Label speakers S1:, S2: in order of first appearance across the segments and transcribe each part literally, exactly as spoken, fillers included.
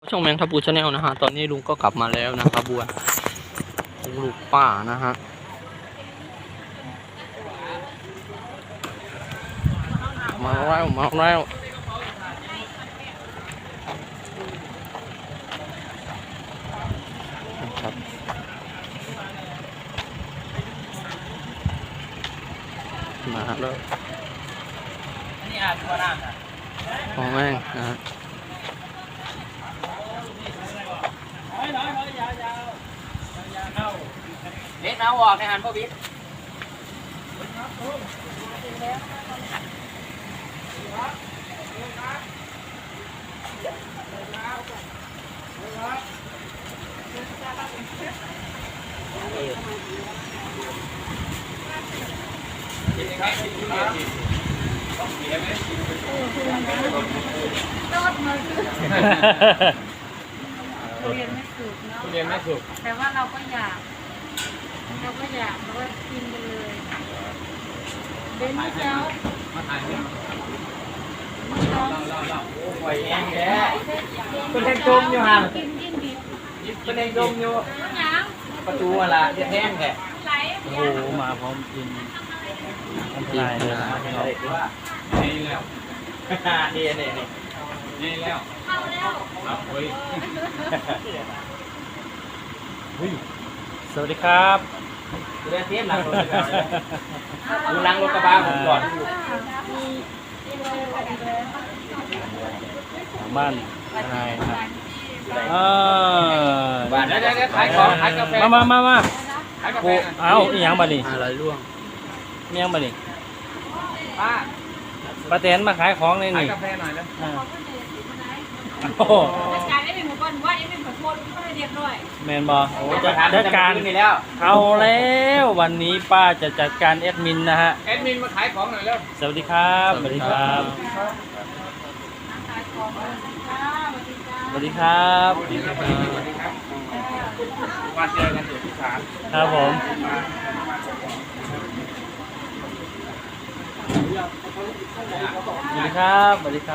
S1: ช่องแมงทับปูชาแนลนะฮะตอนนี้ลุงก็กลับมาแล้วนะครับบัวลูกป้านะฮะมาแล้วมาแล้วครับมาแล้วของแม่งนะฮะเล็กเอาออกในหันพ่อบิ๊ก
S2: เรียนไม่สุกเนาะ
S3: เรียนไม่สุก
S2: แต่ว่าเราก็อยากเราก็อยากเราก็กินไปเลยเบนเจ้า
S3: มาถ่ายเนี่ย
S2: เรา
S3: เล่าเล่าโอ้ยแห้งแท้เป็นแห้งจมอยู่ห่าง
S2: กินยิ่งดี
S3: เป็นแห้งจมอยู่
S2: น้ำ
S3: ประตูอะไรจะแห้งแท้
S2: ไหล
S1: โอ้โหมาพร้อมกินอันตรายเลยนะ
S3: นี่แล้วนี่นี่นี่นี่แล้ว
S2: เข้าแล้ว
S3: ครับเฮ้ย
S1: สวัสดีครับ
S3: เรียนเทียบหลังรถดูหลังรถกระบะผมก่อน
S1: บ้านนายครับเออ
S3: บ้านได้ได้ขายของขายกาแฟ
S1: มามามามา
S3: ขายกาแฟ
S1: โอ้เอาอีหยังบ้านี่อะไรร่วงอีหยังบ้านี่
S3: ป้า
S1: ป้าแตนมาขายของเลย
S3: ขาย
S1: นี่
S3: กาแฟหน่อยนะ
S1: อ่าโอ้โห
S2: จัดการได้เป็นหมู่บ้านว่าได้เป็นขอโทษก็ไม่เรียบร้อย
S1: แมนบอโอ้จัดจัดการ
S3: นี่แล้ว
S1: เอาแล้ววันนี้ป้าจะจัดการแอดมินนะฮะ
S3: แอดมินมาขายของหน่อยแล้ว
S1: สวัสดีครับสวัสดีครับ
S2: ขายของเลยค่ะสวัสดีจ้า
S1: สวัสดีครับ
S3: สวัสดีครับวันเจอกันอยู่ที่ศาล
S1: ครับผมสวัสดีครับสวัสดีครับ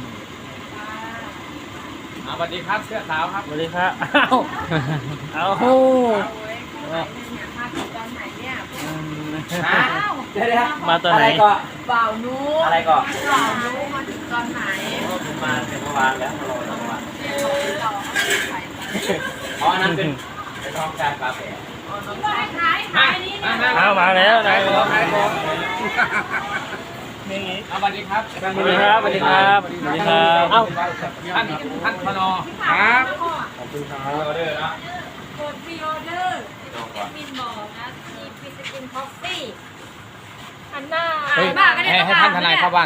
S3: สวัสดีครับเสื้อขาวครับ
S1: สวัสดีครับอ้าวเอา
S2: มาถึงตอนไหนเนี่ย
S3: ฮะเดี๋ยวเดี๋ยว
S1: มาตอนไหน
S3: ก็
S2: บ่าวนู้
S3: อะไรก็
S2: บ่าวนู้มาถึงตอนไหน
S3: ผมมาเมื่อวานแล้วรอเมื่อวาน
S2: เราขาย
S3: อ๋ออันนั้นเป็นเป็นทองการกาแฟ
S2: ขายขายขายนี้เนี่ย
S1: เอามาแล้วนาย
S3: ขายของ
S1: นี่
S3: สวัสดีครับ
S1: สวัสดีครับสวัสดีครับสวัสดีครับเอ้า
S3: ท่านท่านพนอ
S2: ครับ
S3: ขอบคุณครับออเดอร์นะ
S2: กดพรีออเดอร์มินบอกนะที่พิซซินคอฟฟี่อันหน้าอ่านบ้างก็ได้
S3: ให้ให้ท่านทนายเข้าบ้าน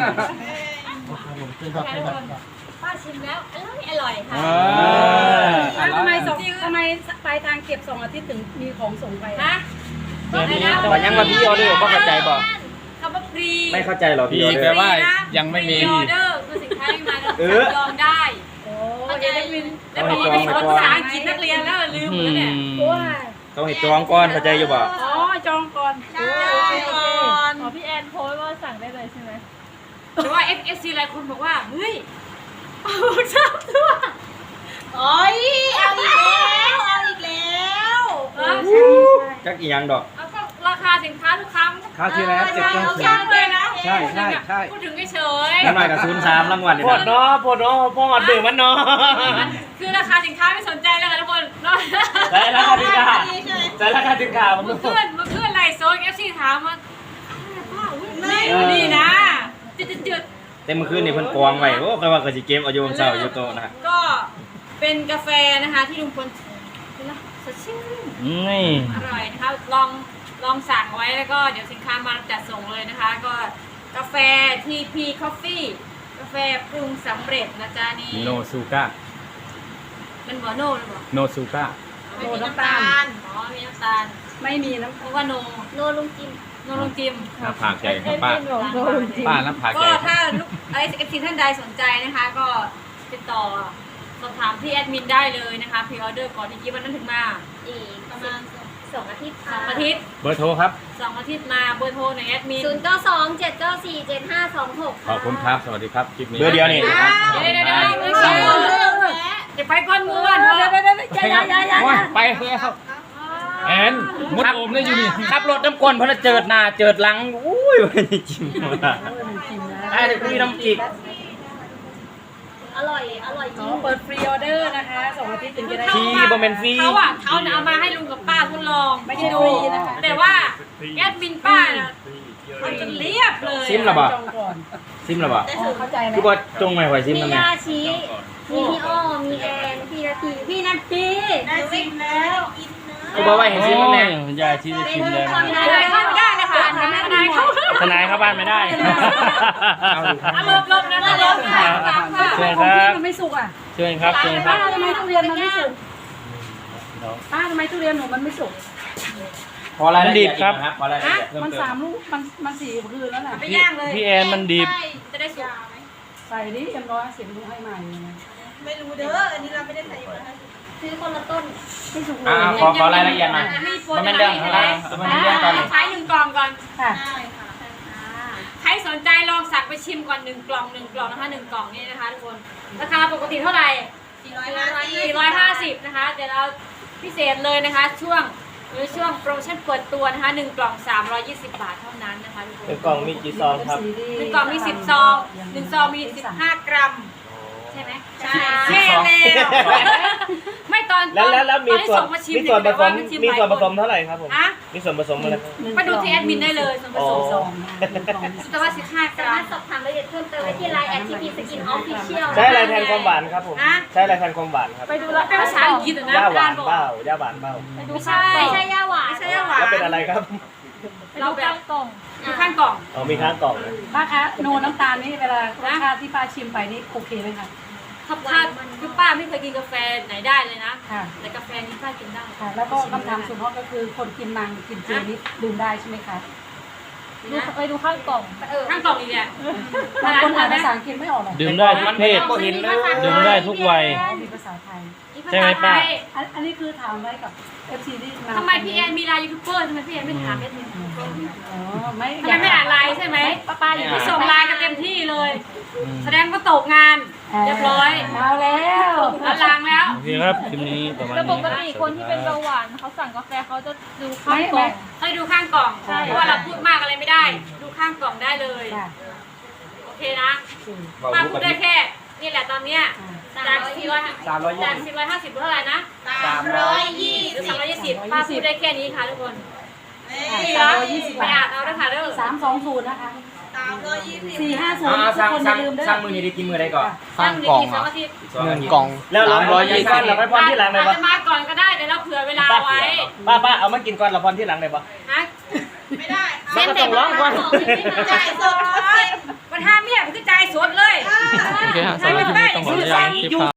S2: ป้าชิมแล้วอร่อยอร่อยค่ะ
S4: แล้วทำไมส่งทำไมปลายทางเก็บส่งอาทิตย์ถึงมีของส่งไป
S2: ฮะ
S3: แต่ว่ายังมาพี่ออเดอร์ก็เข้าใจบ่
S2: คำว่าฟรี
S3: ไม่เข้าใจหรอพี่ออเดอร์แปลว่ายังไม่มี
S2: ออเดอร์คือสินค้าที่มา
S3: เออ
S2: ลองได้
S4: โอ้
S2: เข้าใจ
S4: ยได้วิน
S2: แล้วบอกว่าไปสอนภาษาอังกฤษนักเรียนแล้วลืมหมดแล้วเนี่ย
S4: โอ้ย
S3: ต้องให้จองก่อนเข้าใจอยู่บ่
S4: อ๋อจองก่อน
S2: ใช่ก่อน
S4: อ๋อพี่แอนโพสต์ว่าสั่งได้เลยใช่ไหม
S2: แต่ว่า เอฟ เอฟ ซี หลายคนบอกว่าเฮ้ยเอาชอบตัวโอ้ยเอาอีกแล้วเอาอีกแล้วเออ
S3: จักอีหยังดอก
S2: เอาก็ราคาสินค้าทุกครั้ง
S3: คราวที่แล้วเจ็ดเก้า
S2: ทุก
S3: ศู
S2: คน รั้ง
S3: ย์
S2: เลยนะ
S3: ใช่ใช่ใช่
S2: พูดถึงเฉย
S3: แล้วหน่อยกับศูนย์สามรางวัลนี่
S1: ปวด
S3: นะ
S1: เนาะปวดเนาะปวดดื่มมันเนาะ
S2: ๆคือราคาสินค้าไม่สนใจแล้วค่ะทุกคนเนาะ
S1: ใช่ราคาถึงกาใช่ราคาถึงกามัน
S2: เมื่อคืนเมื่อคืนไลฟ์โซนเอฟซีถามว่าไม่ดีนะจุดจุด
S3: แต่เมื่อคืนนี่เพิ่นกองไว้โอ้ก็ว่าก็สิเกมเอาอยู่บนเสาอยู่โต๊ะนะ
S2: ก็เป็นกาแฟนะคะที่ลุงพลเป็นละสดชื่น
S1: นี่
S2: อร่อยนะคะลองลองสั่งไว้แล้วก็เดี๋ยวสินค้ามาจัดส่งเลยนะคะ ก็กาแฟ ที พี Coffee กาแฟปรุงสำเร็จนะจ๊ะนี่
S3: โนซูก้า
S2: เป็นหัวโน่หรือเปล่า
S3: โนซูก้า
S2: ไม่มีน้ำตาลอ๋อมีน้ำตาล
S4: ไม่มีน้ำ
S2: เพราะว่าโนโนลุงจิมโนลุงจิม
S3: น้ำผากใหญ่ครับป้า
S4: โดนจริง
S3: ป้าน้ำผากให
S2: ก็
S3: ญ่
S2: ถ้าลูกไอเอฟซีท่านใดสนใจนะคะ ก็ติดต่อสอบถามที่แอดมินได้เลยนะคะพรีออเดอร์ก่อนที่กี่วันนั้นถึงมา
S5: อีกประมาณสองอาทิตย์
S2: สองอาทิตย์
S3: เบอร์โทรครับ
S2: สองอาทิตย์มาเบอร์โทรในแอดมิน
S5: ศูนย์เก้าสองเจ็ดเก้าสี่เจ็ดห้าสองหก
S3: ขอบคุณครับ สวัสดีครับ คลิปนี้เบอร์เดียวนี่
S2: เดี๋ยวเดี๋ยวเดี๋ยวเดี๋ยวเดี๋ยว
S5: เรื่องแท้
S2: จะไปก้อนมือวัน
S4: เดี๋ยวเดี๋ยวเดี๋ยวอย่าอย่าอย่าอย่า
S3: ไปแล้ว
S6: แอนมดโอมได้อยู่นี่
S3: ขับรถน้ำก้นเพราะเจิดหน้าเจิดหลังอุ้ยไม่จริงว่ะ
S4: โอ้ยมันกินนะ
S3: ไอ้เด็กมีน้ำจิก
S5: อร่อย อร่อยจ
S4: อ๋
S5: ริ
S4: อง เปิดฟรีออเดอร์นะคะสองอาทิตย์ถึงจะได้
S3: ฟรีบ่แม่นฟรี
S2: เขาอ่ะเขาเนี่ยเอามาให้ลุงกับป้าทดลอง
S4: ไม่ได้ฟรีนะคะ
S2: แต่ว่าแอดมินป้าน่ะมันจะเรียบเลย
S3: ซิมเหรอ บ่
S4: จองก่อน
S3: ซิมหรอบ่
S4: อ๋อเข้าใจไหม
S3: คือว่าจงไม่ไหวซิม
S5: มี
S3: นั่นแหละ
S5: ยาชีมีพี่อ้อมีแอนพี่นาทีพี่นาที
S2: ได้ซิมแล้ว
S3: คือบอกว่าเห็นซิมนั่นแหละ
S6: ยายที่ได้ชิมแล้ว
S2: ทนายเข้าไม่ได้นะคะทนายเข้า
S3: ทนายเข้าบ้านไม่ได้
S2: อารมณ์ลบนะลบค่ะ
S6: เชิญ
S4: ข
S6: ค
S4: อง
S6: รั
S4: พี่
S6: บ
S4: มันไม่สุกอ่ะ
S6: เชิญครับเชิญค
S4: ป้า
S6: รับ
S4: ทำไมทุเรียนมันไม่สุกป้าทำไมทุเรียนหนูมันไม่สุก
S3: พอรายละเอียดครับพอรายละเอียดเพิ่ม
S4: มัน
S3: เติ
S4: สาม มลูกมันมันสี่คืนแล้วน่ะ
S2: ไปย่างเลย
S6: พี่แอนมันดิบ
S2: จะได้สุก
S4: ใส่ดิเอ็มร้อยสิบลูกให้ใหม่เลยนะ
S5: ซื้อคนละต้น
S4: ไม่สุกเล
S3: อ่าย ขอขอรายละเอียดหน่อยมันเป็นเรื่องอะไรมันเป็นเรื่องตอนนี้
S2: ใช้หนึ่งกล่องก่อน
S4: ค่ะ
S2: ใครสนใจลองสั่งไปชิมก่อนหนึ่งกล่องหนึ่งกล่องนะคะหนึ่งกล่องนี่นะคะทุกคนราคาปกติเท่าไหร่สี่ร้อยห้าสิบนะคะเดี๋ยวเราพิเศษเลยนะคะ ช่วงหรือช่วงโปรโมชั่นเปิดตัวนะคะหนึ่งกล่องสามร้อยยี่สิบบาทเท่านั้นนะคะทุกคน
S3: หนึ่งกล่องมีกี่ซองครับ
S2: หนึ่งกล่องมีสิบซองหนึ่งซองมีสิบห้ากรัมใช่ไหมใช่ใช่แล้วไม่ตอน
S3: แล้วแล้วแล้วมี
S2: ตอนที่
S3: ส่วน
S2: ส่งมาชิม
S3: มีส่วนผสม
S2: เดี๋ย
S3: มี
S2: ว่า
S3: ส่วนผสม
S2: หลายค
S3: เท่าไหร่ครับผม
S2: ฮะ
S3: มีส่วนผสมอะไร
S2: ไปดูที่แอดมินได้เลยส่วนผสม
S4: ซองนะหนึ่งกล่องมีสิบ
S2: แต่ว่าสิบห้าก
S5: สา
S2: รั
S5: มาม รถสอบถามรายละเอียดเพิ่มเติมได้ที่ไลน์แอดทีพีสกินออฟฟิเชียล
S3: ใช้อะไรแทนความหวานครับผมใช้อะไรแทนความหวานครับ
S2: ไปดูแล้วเป็นภาษาอังกฤษอะนะ
S3: ย่าหวาน
S2: บอก
S3: เปล่าย่าหวานเปล่า
S2: ไม่ใช่
S5: ไม่ใช่ย่าหวาน
S2: ไม่ใช่ย่าหวาน
S3: แล้วเป็นอะไรครับ
S2: เราแบบกล่องอยู่ข้างกล่อง
S3: อ๋อมีข้างกล่องนะ
S4: ป้าคะโนน้ำตาลนี่เวลารสชาติที่ป้าชิมไปนี่โอเคไหมคะ
S2: ถ้าพลาดคือป้าไม่เคยกินกาแฟไหนได้เลยนะ
S4: ค่ะ
S2: แต่กาแฟนี้ป้ากินได้
S4: ค่ะ แล้วก็คำถามสุดฮอตก็คือคนกินมังกินเจนี่ดื่มได้ใช่ไหมคะ
S2: ดูไปดูข้างกล่องข้างกล่องอีกเนี่ย
S4: บางคนอ่านภาษาอังกฤษไม่ออกหรอก
S6: ดื่มได้ทุกเพศ
S3: บ่เห็นเลย
S6: ดื่มได้ทุกวัย
S4: มีภาษาไทย
S6: ใช่ไหมป้า
S4: อันอันนี้คือถามไว้กับ เอฟ ซี ที่มา
S2: ทำไมพี่แอนมีไลน์ยูทูบเบอร์ทำไมพี่แอนไม่ถามเอดมิน
S4: อ๋อไม่
S2: ทำไมไม่อ่านไลน์ใช่ไหมป้าป้าอยู่ที่ส่งไลน์กันเต็มที่เลย แสดงว่าตกงานเรียบร้อย
S4: เอาแล้ว
S2: อลังแล้ว
S6: โอเคครับคลิปนี้ประมาณ
S7: แต่ป
S6: นี้
S7: กติคนที่เป็นเบาหวานเขาสั่งกาแฟเขาจะดูข้า
S4: ไม่
S7: งกล่
S4: ไม่
S7: อง
S2: ให้ดูข้างกล่อง เพราะว่าเราพูดมากอะไรไม่ได้ ดูข้างกล่องได้เลย
S4: ค่ะ
S2: โอเคนะป้าพูดได้แค่นี่แหละตอนเนี้ยจากสี่ร้อย
S3: สามร้อยยี่
S2: จาก
S3: สิบ
S2: สี่ร้อยห้าสิบเท่าไหร่นะ
S3: สามร้อย
S2: หรือสามร้อยยี่สิบป้าพูดได้แค่นี้ค่ะทุกคน
S4: สามร้อยยี่สิบ
S2: ไป
S4: บา
S2: อ่า
S4: ท
S2: นเอาด้วยค่ะเด้อ
S4: สามสองศูนย์นะคะสามร้อยยี่สิบสี่ห้าศูนย์
S3: อ่า
S4: ทุก
S3: สั่ง
S4: คนอ
S3: สั่
S4: ย่าง ลืมด้วย
S3: สั่งมือนี้ได้กินมือได้ก่อน
S1: ข้างกล่อง
S2: ส
S1: อ่ะ
S2: อาทิตย์
S1: หนึ่งกล่อง
S3: แล้ว
S1: สามร้อยยี่สิบ
S3: เราไปพรที่หลังเลย
S2: อาจ
S3: ปะ
S2: จะมาก่อนก็ได้แต่เราเผื่อเวลาไว้
S3: ป้าป้าเอามากินก่อนเราพรที่หลังเลยปะ
S2: นะ
S3: เส้นต้องร้องก่อน
S2: จ่ายสดมันห้ามเมียมันคือจ่ายสดเลย
S1: โอเคฮะสำหรับคลิปนี้ต้องขออนุญาตคลิปครับ